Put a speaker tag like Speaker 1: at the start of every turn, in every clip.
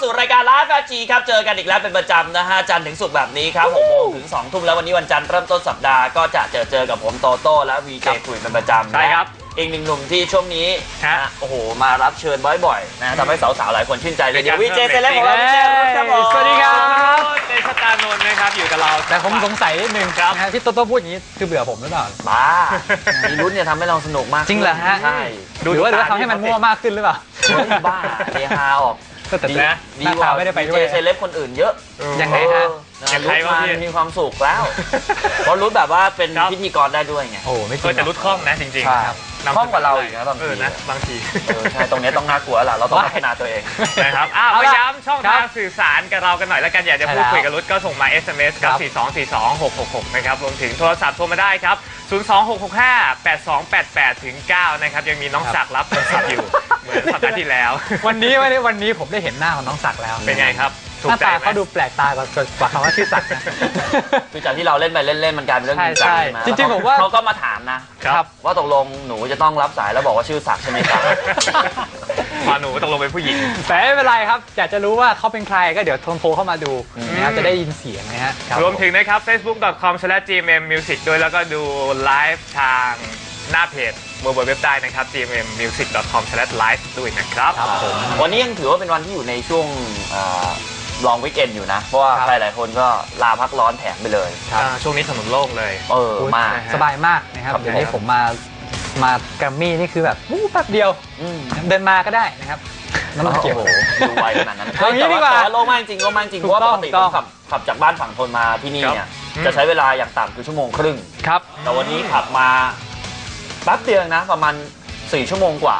Speaker 1: สู่รายการไลฟ์ 5G ครับเจอกันอีกแล้วเป็นประจำนะฮะจันทร์ถึงศุกร์แบบนี้ครับ6 โมงถึง 2 ทุ่มแล้ววันนี้วันจันทร์เริ่มต้นสัปดาห์ก็จะเจอกับผมโตโต้และวีเจคุยเป็นประจำ
Speaker 2: ใช่ครับ
Speaker 1: อีกหนึ่งหนุ่มที่ช่วงนี้โอ้โหมารับเชิญบ่อยๆนะทำให้สาวๆหลายคนชื่นใจเลยเดี๋ยววีเจเซเลบของเราวีเจครับผม
Speaker 2: สวัสดีครับเดชตานนท์นะครับอยู่กับเรา
Speaker 3: แต่ผมสงสัยนิดนึงนะฮะที่โตโต้พูดอย่างนี้คือเบื่อผมหรือเปล่า
Speaker 1: บ้ามีลุ้นเนี่ยทำให้เราสนุกมาก
Speaker 3: จริงเหรอฮะ
Speaker 1: ใช่
Speaker 3: หรือว่าทำให้มันมั่วมากขึ้นหรือเปล่า
Speaker 1: บ้าเฮฮาออก
Speaker 3: แต่นะดีกว่าไม่ได้ไปด้วย
Speaker 1: เซเลบคนอื่นเยอะ
Speaker 3: ยังไงฮะ
Speaker 1: รุ่นมีความสุขแล้วเพราะรุ่นแบบว่าเป็นพิธีกรได้ด้วยไง
Speaker 3: โอ้ไม่จริง
Speaker 2: แต่รุ่นคล่องนะจริงๆครับ
Speaker 1: คล่องกว่าเราอีกนะบางทีใช่ตรงนี้ต้องน่ากลัวแหละเราต้องพัฒนาตัวเอง
Speaker 2: นะครับมาย้ำช่องทางสื่อสารกับเรากันหน่อยแล้วกันอยากจะพูดคุยกับรุ่นก็ส่งมา SMS กับ4242666นะครับรวมถึงโทรศัพท์โทรมาได้ครับ026658288ถึง9นะครับยังมีน้องศักดิ์รับโทรศัพท์อยู่เหมือนสัปดาห์ที่แล้ว
Speaker 3: วันนี้ผมได้เห็นหน้าของน้องศักดิ์แล้ว
Speaker 2: เป็นไงครับ
Speaker 3: หน้าตาเขาดูแปลกตากว่าคำว่าชื่อศักดิ์นะ
Speaker 1: คือจากที่เราเล่นไปเล่นมันกลายเป็นเรื่องจริงจังมา
Speaker 3: จริงๆผมว่า
Speaker 1: เขาก็มาถามนะครับว่าตกลงหนูจะต้องรับสายแล้วบอกว่าชื่อศักดิ์ใช่ไหมครับ
Speaker 2: พอหนูตกลงเป็นผู้หญิง
Speaker 3: แต่ไม่เป็นไรครับอยากจะรู้ว่าเขาเป็นใครก็เดี๋ยวโทรเข้ามาดูนะครับจะได้ยินเสียงนะฮะ
Speaker 2: รวมถึงนะครับ facebook.com/gmmmusic ด้วยแล้วก็ดูไลฟ์ทางหน้าเพจเว็บได้นะครับ gmmmusic.com/live ด้วยนะครับ
Speaker 1: วันนี้ยังถือว่าเป็นวันที่อยู่ในช่วงลองวีคเอนด์อยู่นะเพราะว่าใครหลายคนก็ลาพักร้อนแถมไปเลย
Speaker 2: ช่วงนี้ถนนโล่งเลย
Speaker 1: มาก
Speaker 3: สบายมากนะครับเดี๋ยวนี้ผมมาแกรมมี่นี่คือแบบแป๊บเดียวเดินมาก็ได้นะครับน้ำมันเกี่ยว
Speaker 1: ดูไวขนาดนั้นแต่โล่งมากจริงเพราะว่าปกติผมขับจากบ้านฝั่งทนมาที่นี่เนี่ยจะใช้เวลาอย่างต่ำคือ1.5 ชั่วโมง
Speaker 3: ครับ
Speaker 1: แต่วันนี้ขับมาแป๊บเดียวนะประมาณ4 ชั่วโมงกว่า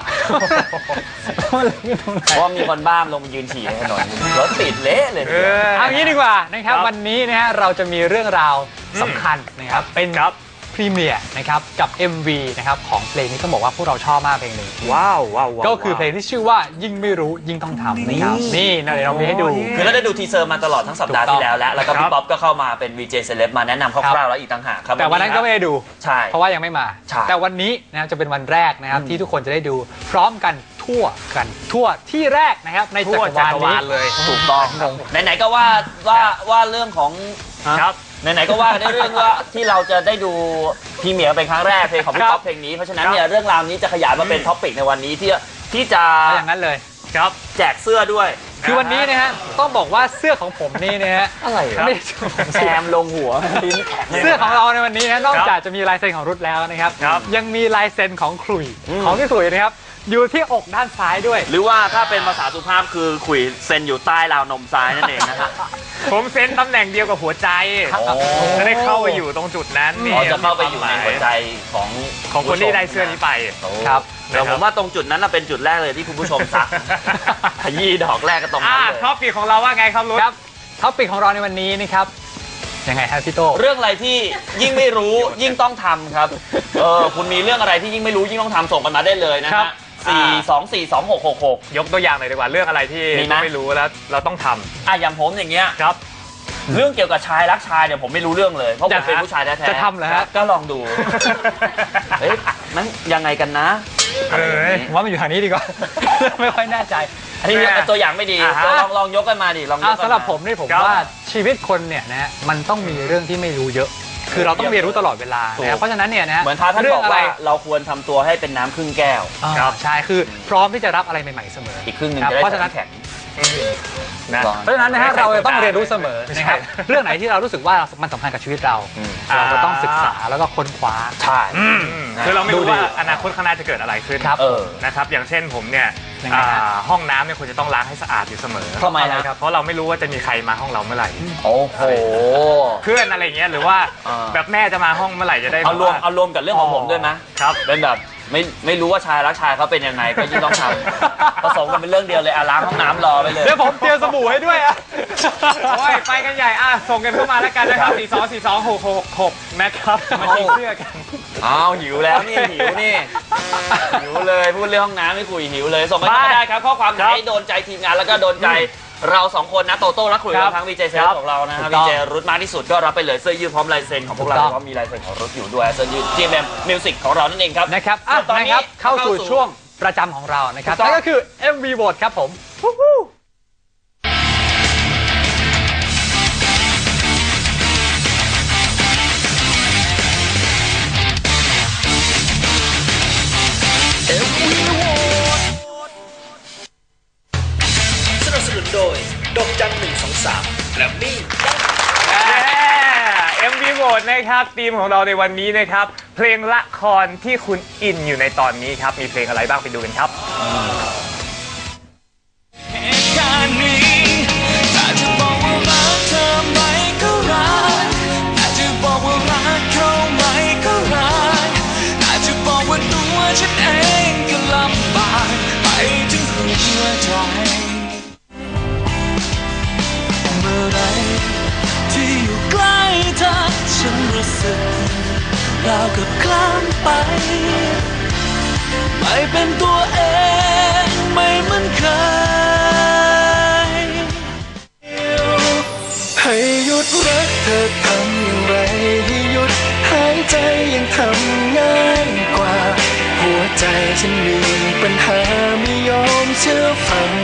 Speaker 1: เพราะมีคนบ้ามลงมายืนฉี่ในถนนรถติดเละเลย
Speaker 3: เอางี้ดีกว่านะครับวันนี้นะฮะเราจะมีเรื่องราวสำคัญนะครับเป็นพรีเมียร์นะครับกับ MV นะครับของเพลงนี้ต้องบอกว่าพวกเราชอบมากเพลงหนึ่ง
Speaker 2: ว้าว
Speaker 3: ก็คือเพลงที่ชื่อว่ายิ่งไม่รู้ยิ่งต้องทำนะครับนี่เดี๋ยวเรามีให้ดู
Speaker 1: คือเราได้ดูทีเซอร์มาตลอดทั้งสัปดาห์ที่แล้วแล้วก็พี่ป๊อปก็เข้ามาเป็น VJ Celeb มาแนะนำคร่าวๆแล้วอีกต่างหากครับ
Speaker 3: แต่วันนั้นก็ไม่ได้ดู
Speaker 1: ใช่
Speaker 3: เพราะว่ายังไม่มาแต่วันนี้นะครับจะเป็นวันแรกนะครับที่ทุกคนจะได้ดูพร้อมกันทั่วที่แรกนะครับในจักรวาล
Speaker 1: เลยถูกต้องไหนๆก็ว่าเรื่องของไหนๆก็ว่าได้เรื่องว่าที่เราจะได้ดูพรีเมียร์เป็นครั้งแรกเพลงของพี่ป๊อปเพลงนี้เพราะฉะนั้นเนี่ยเรื่องราวนี้จะขยายมาเป็นท็อปปิกในวันนี้ที่จะ
Speaker 3: อย่างนั้นเลย
Speaker 1: ครับแจกเสื้อด้วย
Speaker 3: คือวันนี้นะฮะต้องบอกว่าเสื้อของผมนี่นะฮะ
Speaker 1: อะไรไม่แซมลงหัว
Speaker 3: เสื้อของเราในวันนี้นะนอกจากจะมีลายเซ็นของรุ่นแล้วนะครับยังมีลายเซ็นของขลุ่ยของพี่ขลุ่ยนะครับอยู่ที่อกด้านซ้ายด้วย
Speaker 1: หรือว่าถ้าเป็นภาษาสุภาพคือขุยเซ็นอยู่ใต้ราวนมซ้ายนั่นเองนะครับ
Speaker 2: ผมเซ็นตำแหน่งเดียวกับหัวใจจะได้เข้าไปอยู่ตรงจุดนั้นนี่
Speaker 1: จะเข้าไปอยู่ในหัวใจ
Speaker 2: ของคนที่ได้เสื้อนี้ไป
Speaker 1: ครับแต่ผมว่าตรงจุดนั้นเป็นจุดแรกเลยที่คุณผู้ชมซักขยี้ดอกแรกก็ตรงนั้นเลย
Speaker 2: ท็อปปีของเราว่าไงครับรุ่น
Speaker 3: ท็อปปีของเราในวันนี้นะครับยังไงครับพี่โต
Speaker 1: เรื่องอะไรที่ยิ่งไม่รู้ยิ่งต้องทำครับคุณมีเรื่องอะไรที่ยิ่งไม่รู้ยิ่งต้องทำส่งกันมาได้เลยนะฮะ4242666
Speaker 2: ยกตัวอย่างหน่อยดีกว่าเรื่องอะไรที่ไม่รู้แล้วเราต้องทำ
Speaker 1: อย่างผมอย่างเงี้ย
Speaker 2: ครับ
Speaker 1: เรื่องเกี่ยวกับชายรักชายเนี่ยผมไม่รู้เรื่องเลยเพราะผมเป็นผู้ชายแท้ๆ
Speaker 3: จะทำเหรอฮะ
Speaker 1: ก็ลองดูมันยังไงกันนะ
Speaker 3: ว่ามันอยู่ทางนี้ดีกว่าไม่ค่อยแน่ใจ
Speaker 1: อันนี้ตัวอย่างไม่ดีลองยกกันมาดิลอง
Speaker 3: สำหรับผมนี่ผมว่าชีวิตคนเนี่ยนะมันต้องมีเรื่องที่ไม่รู้เยอะคือเราต้องเรียนรู้ตลอดเวลาเพราะฉะนั้นเนี่ยนะ
Speaker 1: เหมือนท่านบอกว่าเราควรทำตัวให้เป็นน้ำครึ่งแก้ว
Speaker 3: ใช่คือพร้อมที่จะรับอะไรใหม่ๆเสมอ
Speaker 1: อีกครึ่งนึงจะได้แข็ง
Speaker 3: เพราะฉะนั้นนะฮะเราจะต้องเรียนรู้เสมอนะครับเรื่องไหนที่เรารู้สึกว่ามันสำคัญกับชีวิตเราก็ต้องศึกษาแล้วก็ค้นคว้า
Speaker 1: ใช่
Speaker 2: คือเราไม่รู้ว่าอนาคตข้างหน้าจะเกิดอะไรขึ้นนะครับอย่างเช่นผมเนี่ยห้องน้ำเนี่ยควรจะต้องล้างให้สะอาดอยู่เสมอ
Speaker 1: ทำไมครับ
Speaker 2: เพราะเราไม่รู้ว่าจะมีใครมาห้องเราเมื่อไหร่
Speaker 1: โอ้โห
Speaker 2: เพื่อนอะไรเงี้ยหรือว่าแบบแม่จะมาห้องเมื่อไหร่จะได้
Speaker 1: เอารวมกับเรื่องของผมด้วยไหม
Speaker 2: ครับ
Speaker 1: เป็นแบบไม่รู้ว่าชายรักชายเขาเป็นยังไงก็ยิ่งต้องทำผสมกันเป็นเรื่องเดียวเลยล้างห้องน้ำรอไปเลย
Speaker 3: เดี๋ยวผมเตรียมสบู่ให้ด้วย
Speaker 2: โอ้ยไปกันใหญ่ส่งกันเข้ามาแล้วกันนะครับ4242666นะครับมาชิงเสื้อกัน
Speaker 1: หิวแล้วนี่หิวเลยพูดเรื่องห้องน้ำไม่คุยหิวเลยส่งมาได้ครับข้อความไหนโดนใจทีมงานแล้วก็โดนใจเรา2 คนนะโตโต้และคุยกับทั้งวีเจเซลของเรานะครับวีเจรุทมากที่สุดก็รับไปเลยเสื้อยืดพร้อมลายเซ็นของพวกเราเพราะมีลายเซ็นของรุทอยู่ด้วยเสื้อยืด GMM Music ของเรานั่นเองครับ
Speaker 3: นะครับตอนนี้เข้าสู่ช่วงประจำของเรานะครับนั่นก็คือ MV Vote ครับผม
Speaker 2: โหวตนะครับทีมของเราในวันนี้นะครับเพลงละครที่คุณอินอยู่ในตอนนี้ครับมีเพลงอะไรบ้างไปดูกันครับ
Speaker 4: เหตุการณ์นี้ถ้าจะบอกว่ารักเธอไหมก็รักถ้าจะบอกว่ารักเขาไหมก็รักถ้าจะบอกว่าตัวฉันเองก็ลำบากไปถึงหัวใจเมื่อไรที่อยู่ใกล้เธอฉันรู้สึกราวกับคลานไปไม่เป็นตัวเองไม่เหมือนเคยให้หยุดรักเธอทำอย่างไรให้หยุดหายใจยังทำง่ายกว่าหัวใจฉันมีปัญหาไม่ยอมเชื่อฟัง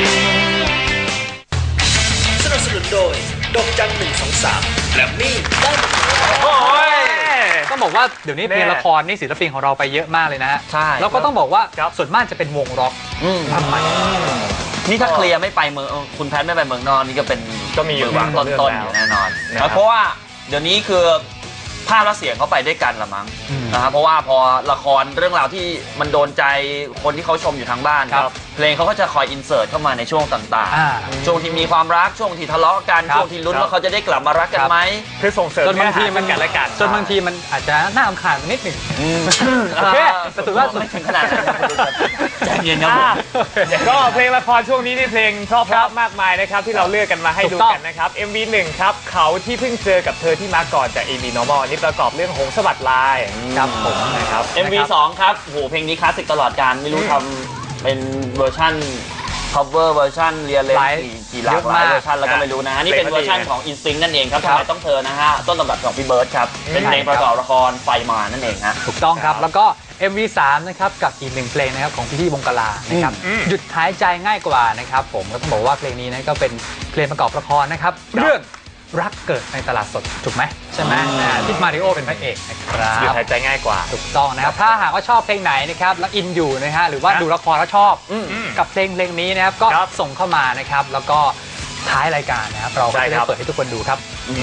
Speaker 4: สนับสนุนโดยดอกจัน123แกรมมี่ได้หมดเลย
Speaker 2: โอ้ย
Speaker 3: ต้องบอกว่าเดี๋ยวนี้เพลงละครนี่ศิลปินของเราไปเยอะมากเลยนะฮะ
Speaker 1: ใช่
Speaker 3: แล้วก็ต้องบอกว่า
Speaker 2: ครับ
Speaker 3: ส่วนมากจะเป็นวงร็อกทำไม
Speaker 1: นี่ถ้าเคลียร์ไม่ไปเมืองคุณแพทไม่ไปเมืองนอกนี่ก็เป็น
Speaker 2: ก็มีอยู่บ้าง
Speaker 1: ต้นๆอยู่แน่นอน
Speaker 2: นะครับ
Speaker 1: เพราะว่าเดี๋ยวนี้คือภาพและเสียงเขาไปด้วยกันละมั้ง
Speaker 3: อืม
Speaker 1: นะครับเพราะว่าพอละครเรื่องราวที่มันโดนใจคนที่เขาชมอยู่ทางบ้าน
Speaker 3: ครับ
Speaker 1: เพลงเขาก็จะคอยอินเสิร์ตเข้ามาในช่วงต่าง
Speaker 3: อ่า
Speaker 1: ๆช่วงที่มีความรักช่วงที่ทะเลาะกัน
Speaker 3: ครับ
Speaker 1: ช่วงที่ลุ้นว่าเขาจะได้กลับมารักกัน
Speaker 3: ครับ
Speaker 1: ไหม
Speaker 2: คือส่งเสริม
Speaker 3: จนบางทีมัน
Speaker 2: เนื้อหาซึ่งกันและกัน
Speaker 3: จนบางทีมันอาจจะน่ารำคาญไปนิดหนึ่ง โอเคแต่ถือว่า
Speaker 1: ไม่ถึงขนาดนั้นนะครับใจเย็นครับผม
Speaker 2: ก็เพลงละครช่วงนี้นี่เพลงเพราะๆมากมายนะครับที่เราเลือกกันมาให้
Speaker 3: ถู
Speaker 2: ดู
Speaker 3: กต้อง
Speaker 2: กันนะครับ MV 1ครับเขาที่เพิ่งเจอกับเธอที่มาก่อนจาก AB Normal อันนี้ประกอบเรื่องหงส์สวัสดิ์ลาย
Speaker 3: ครับผม
Speaker 2: นะครับ
Speaker 1: MV 2ครับโอ้โหเพลงนี้คลาสสิกตลอดการไม่รู้ทำเป็นเวอร์ชัน cover เวอร์ชันเรียลเลน
Speaker 3: หลาย
Speaker 1: กี่หลากหลายเวอร์ชันแล้วก็ไม่รู้นะฮะนี่เป็นเวอร์ชันของ Instinct นั่นเองครับทำไมต้องเธอนะฮะต้นตำรับของพี่เบิร์ดครับเป็นเพลงประกอบละครไฟมานั่นเองฮะ
Speaker 3: ถูกต้องครับ แล้วก็ MV3 นะครับกับอีกหนึ่งเพลงนะครับของพี่ๆวงกลานะครับ
Speaker 2: อืม
Speaker 3: หยุดหายใจง่ายกว่านะครับผมก็ต้องบอกว่าเพลงนี้นะก็เป็นเพลงประกอบละครนะครับเรื่องรักเกิดในตลาดสดถูกไหมใช่ไหมที่มาริโอเป็นพระเอกนะครับ
Speaker 2: หยุดหายใจง่ายกว่า
Speaker 3: ถูกต้องนะครับถ้าหากว่าชอบเพลงไหนนะครับแล้วอินอยู่นะฮะหรือว่า
Speaker 2: ครับ
Speaker 3: ดูละครแล้วชอบกับเพลงนี้นะครับก็
Speaker 2: ครับ
Speaker 3: ส่งเข้ามานะครับแล้วก็ท้ายรายการนะครับเราก็
Speaker 2: ใช่
Speaker 3: จะ
Speaker 2: ค
Speaker 3: ได้
Speaker 2: รับ
Speaker 3: เปิดให้ทุกคนดูครับ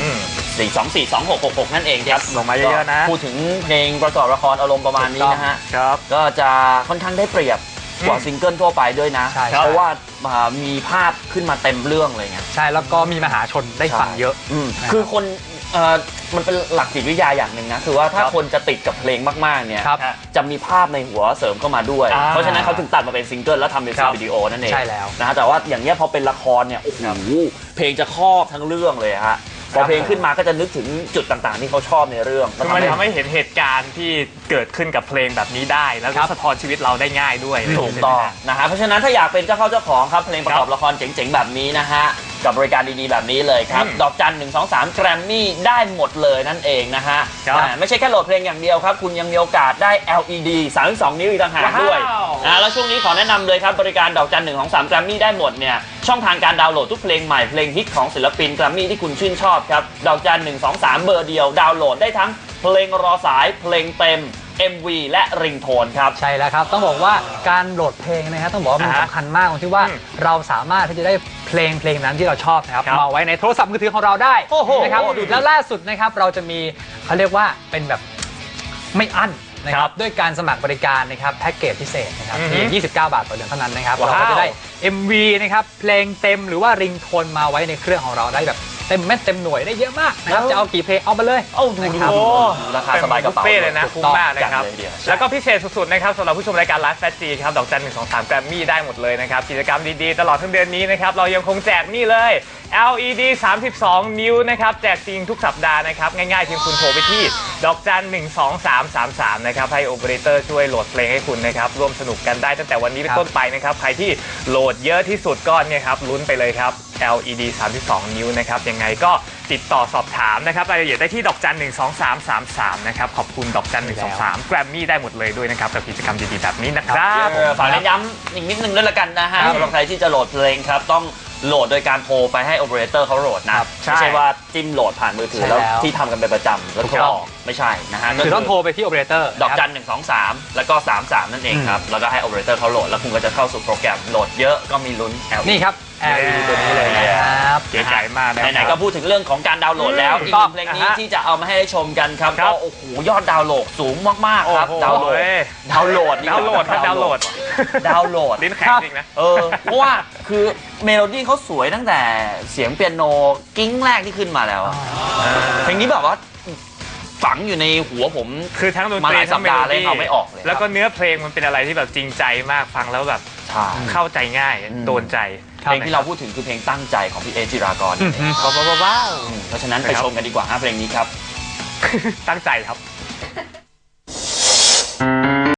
Speaker 1: 4242666นั่นเองครับ
Speaker 2: ส่งมาเยอะๆนะ
Speaker 1: พูดถึงเพลงประกอบละครอารมณ์ประมาณนี้นะฮะ
Speaker 2: ครับ
Speaker 1: ก็จะค่อนข้างได้เปรียบกว่าซิงเกิลทั่วไปด้วยนะ
Speaker 3: ใช่
Speaker 1: เพราะว่ามีภาพขึ้นมาเต็มเรื่องเลยไง
Speaker 3: ใช่แล้วก็มีมหาชนได้ฟังเยอะ นะครับ
Speaker 1: คือคนมันเป็นหลักจิตวิทยาอย่างหนึ่งนะ คือว่าถ้า
Speaker 2: ครับ
Speaker 1: คนจะติดกับเพลงมากๆเนี่ย
Speaker 3: ครับ
Speaker 1: จะมีภาพในหัวเสริมเข้ามาด้วย
Speaker 2: อ่า
Speaker 1: เพราะฉะนั้นเขาถึงตัดมาเป็นซิงเกิลแล้วทำเป็น
Speaker 2: ครับ
Speaker 1: วิดีโอนั่นเอง
Speaker 3: ใช่แล้ว
Speaker 1: นะฮะแต่ว่าอย่างเนี้ยพอเป็นละครเนี่ยโอ้โหเพลงจะครอบทั้งเรื่องเลยฮะพอเพลงขึ้นมาก็จะนึกถึงจุดต่างๆ ที่เขาชอบในเรื่อง
Speaker 2: คือมันทำให้เห็นเหตุการณ์ที่เกิดขึ้นกับเพลงแบบนี้ได้ แล้วก็สะท้อนชีวิตเราได้ง่ายด้วย
Speaker 1: ถูกต้องนะฮะเพราะฉะนั้นถ้าอยากเป็นเจ้าเข้าเจ้าของครับเพลงประกอบละครเจ๋งๆแบบนี้นะฮะกับบริการดีๆแบบนี้เลยครับดอกจัน123แกรมมี่ได้หมดเลยนั่นเองนะฮะไม่ใช่แค่โหลดเพลงอย่างเดียวครับคุณยังมีโอกาสได้ LED 32 นิ้วอีกต่างหากด้วยแล้วช่วงนี้ขอแนะนำเลยครับบริการดอกจัน123แกรมมี่ได้หมดเนี่ยช่องทางการดาวน์โหลดทุกเพลงใหม่เพลงฮิตของศิลปินแกรมมี่ที่คุณชื่นชอบครับดอกจัน123เบอร์เดียวดาวน์โหลดได้ทั้งเพลงรอสายเพลงเต็ม MV และริงโทนครับ
Speaker 3: ใช่แล้วครับต้องบอกว่าการโหลดเพลงนะฮะต้องบอกว่ามันสำคัญมากตรงที่ว่าเราสามารถที่จะได้เพลงนั้นที่เราชอบนะครับมาไว้ในโทรศัพท์มือถือของเราได้
Speaker 1: โอ้โห
Speaker 3: นะครับ
Speaker 1: ดูดิ
Speaker 3: แล้วล่าสุดนะครับเราจะมีเขาเรียกว่าเป็นแบบไม่อั้นนะครับด้วยการสมัครบริการนะครับแพ็กเกจพิเศษนะครับเพียง29 บาทต่อเดือนเท่านั้นนะครับเราก็จะได้ MV นะครับเพลงเต็มหรือว่าริงโทนมาไว้ในเครื่องของเราได้แบบเต็มเม็ดเต็มหน่วยได้เยอะมากนะครับจะเอากี่เพลงเอามาเลย
Speaker 1: โอ้ดู
Speaker 3: นะครับ
Speaker 1: โอ้ราคาสบายกระเป๋า
Speaker 2: เป็นบุฟเฟ่เลยนะคุ้มมากนะครับ
Speaker 1: จัดเลยทีเดียว
Speaker 2: แล้วก็พิเศษสุดๆนะครับสำหรับผู้ชมรายการไลฟ์แฟชจีครับดอกจัน123แกรมมี่ได้หมดเลยนะครับกิจกรรมดีๆตลอดทั้งเดือนนี้นะครับเรายังคงแจกนี่เลย LED 32 นิ้วนะครับแจกจริงทุกสัปดาห์นะครับง่ายๆเพียงคุณโทรไปที่ดอกจัน12333นะครับให้โอเปอเรเตอร์ช่วยโหลดเพลงให้คุณนะครับร่วมสนุกกันได้ตั้งแต่วันนี้เป็นต้นไปนะครับใครที่โหลดเยอะที่สุดก็เนี่ยครับลุ้นไปเลยครับ LED 32 นิ้วนะครับยังไงก็ติดต่อสอบถามนะครับรายละเอียดได้ที่ดอกจัน12333นะครับขอบคุณดอกจัน123แกรมมี่ได้หมดเลยด้วยนะครับกับกิจกรรมดีๆแบบนี้นะครับ
Speaker 1: ฝากเน้นย้ำอีกนิดนึงด้วยละกันนะฮะสำหรับใครที่จะโหลดเพลงครับต้องโหลดโดยการโทรไปให้โอเปอเรเตอร์เขาโหลดนะไม่ใช่ว่าจิ้มโหลดผ่านมือถือแล้วที่ทำกันเป็นประจำแล้วโทรออกไม่ใช่นะฮะ
Speaker 3: คือต้องโทรไปที่โอเปอเรเตอร์
Speaker 1: ดอกจัน123แล้วก็33นั่นเองครับแล้วก็ให้โอเปอเรเตอร์เขาโหลดแล้วคุณก็จะเข้าสู่โปรแกรมโหลดเยอะก็มีลุ้น LED
Speaker 3: นี่ครับ LED ตัวนี้เลยนะครับ
Speaker 2: เก๋ไก่มากนะ
Speaker 1: ไหนๆก็พูดถึงเรื่องของการดาวน์โหลดแล้ว
Speaker 2: อืม
Speaker 1: อีกหนึ่งเพลงนี้
Speaker 2: อ่ะฮะ
Speaker 1: ที่จะเอามาให้ได้ชมกันครับ
Speaker 2: ครั
Speaker 1: ก็
Speaker 2: บ
Speaker 1: โอ้โหยอดดาวน์โหลดสูงมากๆครับ
Speaker 2: โอ้โห
Speaker 1: ดาวน์โหลดดาวน์โหลด
Speaker 2: ดาวน์โหลดครับดาวน์โหลด
Speaker 1: ดาวน์โหลด
Speaker 2: ลิ้นแข็งจริงนะ
Speaker 1: เพราะว่าคือเมโลดี้เขาสวยตั้งแต่เสียงเปียโนกิ้งแรกที่ขึ้นมาแล้วเพลงนี้แบบว่าฝังอยู่ในหัวผม
Speaker 2: คือทั้งดน
Speaker 1: มา
Speaker 2: ต
Speaker 1: ห
Speaker 2: รี
Speaker 1: ลายสั
Speaker 2: ทั้
Speaker 1: ป
Speaker 2: งเม
Speaker 1: ดา
Speaker 2: โล
Speaker 1: ห์เลย
Speaker 2: ดี้
Speaker 1: เอาไม่ออกเลย
Speaker 2: แล้วก็เนื้อเพลงมันเป็นอะไรที่แบบจริงใจมากฟังแล้วแบบ
Speaker 1: ใช่
Speaker 2: เข้าใจง่ายโดนใจ
Speaker 1: เพลงที่เราพูดถึงคือเพลงตั้งใจของพี่เอจิรากร
Speaker 2: ว้าว
Speaker 1: เพราะฉะนั้นไปชมกันดีกว่าฮะเพลงนี้ครับ
Speaker 2: ตั้งใจครับ
Speaker 4: 「